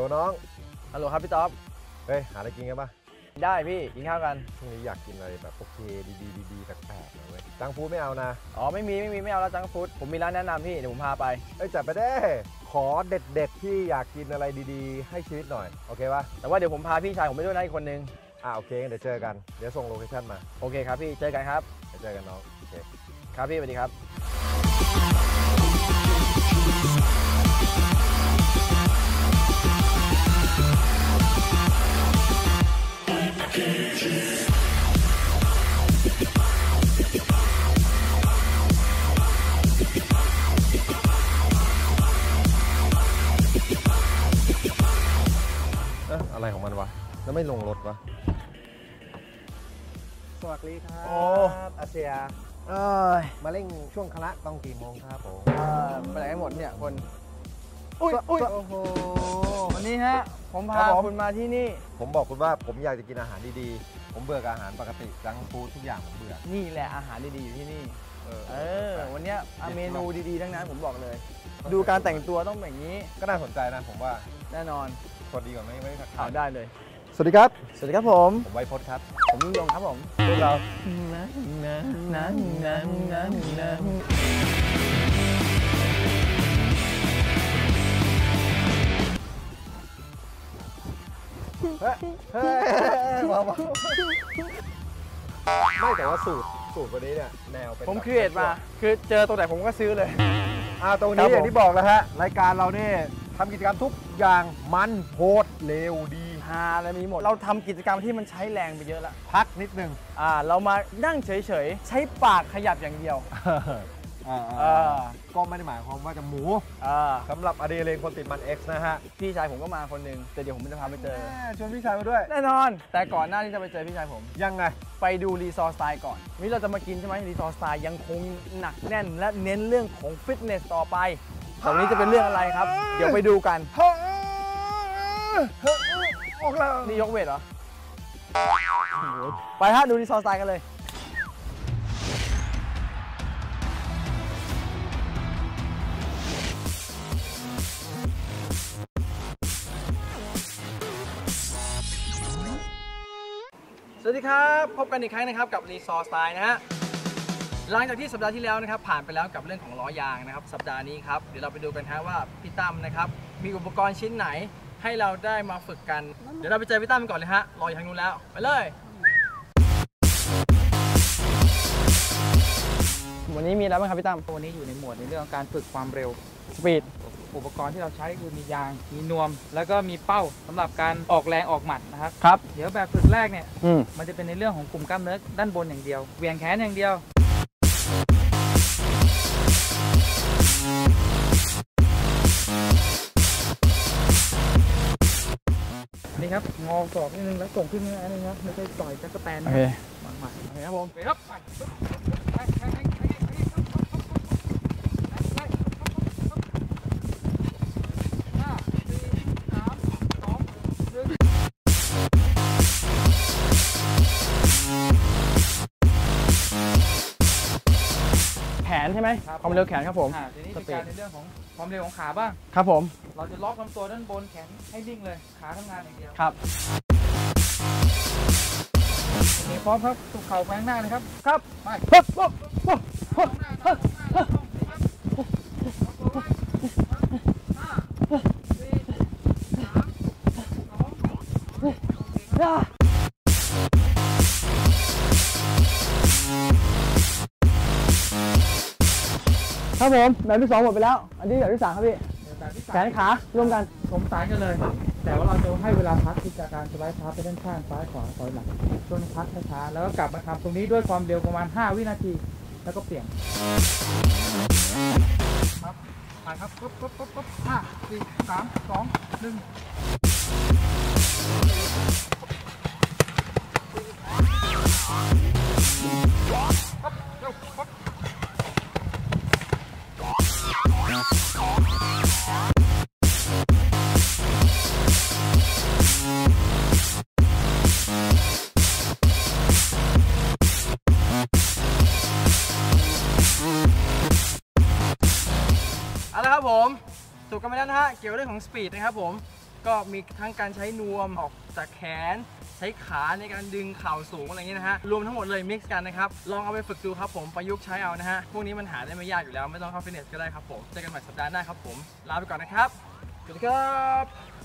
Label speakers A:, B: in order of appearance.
A: น้อง
B: ฮัลโหลครับพี่ต๊อบ
A: เฮ้ยหาอะไรกินกันปะ
B: ได้พี่กินข้าวกัน
A: ช่วงนี้อยากกินอะไรแบบโอเคดีแปลกๆหน่อยเว้ยจังฟูดไม่เอานะ
B: อ๋อไม่เอาแล้วจังฟูดผมมีร้านแนะนำพี่เดี๋ยวผมพาไป
A: จัดไปได้ขอเด็ดที่อยากกินอะไรดีๆให้ชีวิตหน่อยโอเคปะ
B: แต่ว่าเดี๋ยวผมพาพี่ชายผมไปด้วยนะอีกคนนึง
A: โอเคเดี๋ยวเจอกันเดี๋ยวส่งโลเคชั่นมา
B: โอเคครับพี่เจอกันครับ
A: เจอกันน้องโอเค
B: ครับพี่สวัสดีครับ
A: อะไรของมันวะแล้วไม่ลงรถวะ
B: สวัสดีครับ
A: โอ้อาเซียมาเร่งช่วงคณะต้องกี่โมงครับผม
B: ไปไหนกันหมดเนี่ยคนอุ้ย
A: โอ้โห
B: วันนี้ฮะผมพาคุณมาที่นี่
A: ผมบอกคุณว่าผมอยากจะกินอาหารดีๆผมเบื่อกับอาหารปกติจังฟู้ดทุกอย่างผมเบื่อ
B: นี่แหละอาหารดีๆอยู่ที่นี่วันนี้เมนูดีๆทั้งนั้นผมบอกเลยดูการแต่งตัวต้องแบบนี้
A: ก็น่าสนใจนะผมว่า
B: แน่นอน
A: สวัสดีก่อนไม่ทักทาย
B: ได้เลย
A: สวัสดีครับ
B: ผม
A: ไวพจน์ครับ
B: ผมยิ่งยงครับผม
A: พวกเราไม่แต่ว่าสูตรวันนี้เนี่ยแนวเป็น
B: ผมครีเอทมาคือเจอตัวไหนผมก็ซื้อเลย
A: ตรงนี้อย่างที่บอกแล้วฮะรายการเราเนี่ยทำกิจกรรมทุกอย่างมันโหดเร็วดี
B: ฮาอะไรมีหมดเราทำกิจกรรมที่มันใช้แรงไปเยอะละ
A: พักนิดนึง
B: เรามานั่งเฉยๆใช้ปากขยับอย่างเดียว
A: ก็ไม่ได้หมายความว่าจะหมูสำหรับอดีเลงคนติดมัน X นะฮะ
B: พี่ชายผมก็มาคนนึงแต่เดี๋ยวผมจะพาไปเจอ
A: ชวนพี่ชายมาด้วย
B: แน่นอนแต่ก่อนหน้าที่จะไปเจอพี่ชายผม
A: ยังไง
B: ไปดูรีซอร์สไตล์ก่อนนี่เราจะมากินใช่ไหมรีซอร์สไตล์ยังคงหนักแน่นและเน้นเรื่องของฟิตเนสต่อไปตรงนี้จะเป็นเรื่องอะไรครับเดี๋ยวไปดูกันนี่ยกเวทเหรอไปฮะดูรีซอร์สไตล์กันเลยสวัสดีครับพบกันอีกครั้งนะครับกับรีซอร์สไตล์นะฮะหลังจากที่สัปดาห์ที่แล้วนะครับผ่านไปแล้วกับเรื่องของล้อยางนะครับสัปดาห์นี้ครับเดี๋ยวเราไปดูกันฮะว่าพี่ตั้มนะครับมีอุปกรณ์ชิ้นไหนให้เราได้มาฝึกกันเดี๋ยวเราไปเจอพี่ตั้มก่อนเลยฮะรออยู่ทางนู้นแล้วไปเลยวันนี้มีอะไรบ้างครับพี่ตั้ม
C: วันนี้อยู่ในหมวดในเรื่องของการฝึกความเร็ว
B: สปีด
C: อุปกรณ์ที่เราใช้คือมียางมีนวมแล้วก็มีเป้าสำหรับการออกแรงออกหมัดนะครับ
B: ครับ
C: เดี๋ยวแบบฝึกแรกเนี่ยมันจะเป็นในเรื่องของกลุ่มกล้ามเนื้อด้านบนอย่างเดียวเหวี่ยงแขนอย่างเดียวนี่ครับงอศอกนิดนึงแล้วส่งขึ้นนิดนึงครับไม่ใช่ต่อยจักรแตน
B: โอเค
C: หมัด
B: ครับผม
C: ครับ
B: แขนใช่ไหมความเร็วแขนครับผม
C: ทีนี้เป็นการในเรื่องของความเร็วของขาบ้าง
B: ครับผม
C: เราจะล็อกลำตัวด้านบนแขนให้นิ่งเลยขาทำงานอย่างเดียว
B: ครับ
C: พร้อมครับสุกเข่าแฝงหน้านะครับ
B: ครับ
C: ไป
B: ครับผมแบบที่2หมดไปแล้วอันนี้แบบที่3ครับพี่แขนขาร่วมกัน
C: ผมสายกันเลยแต่ว่าเราจะให้เวลาพักที่จากการสไลด์เท้าไปด้านข้างซ้ายขวาถอยหลังช่วงพักช้าๆแล้วก็กลับมาทำตรงนี้ด้วยความเร็วประมาณ5 วินาทีแล้วก็เปลี่ยนครับไปครับปุ๊บ5 4 3 2 1
B: เอาละครับผมถูกกันไปแล้วนะฮะเกี่ยวกับเรื่องของสปีดนะครับผมก็มีทั้งการใช้นวมออกจากแขนใช้ขาในการดึงเข่าสูงอะไรอย่างเงี้ยนะฮะรวมทั้งหมดเลยมิกซ์กันนะครับลองเอาไปฝึกดูครับผมประยุกต์ใช้เอานะฮะพวกนี้มันหาได้ไม่ยากอยู่แล้วไม่ต้องเข้าฟิตเนสก็ได้ครับผมเจอกันใหม่สัปดาห์หน้าครับผมลาไปก่อนนะครับสวัสดีครับ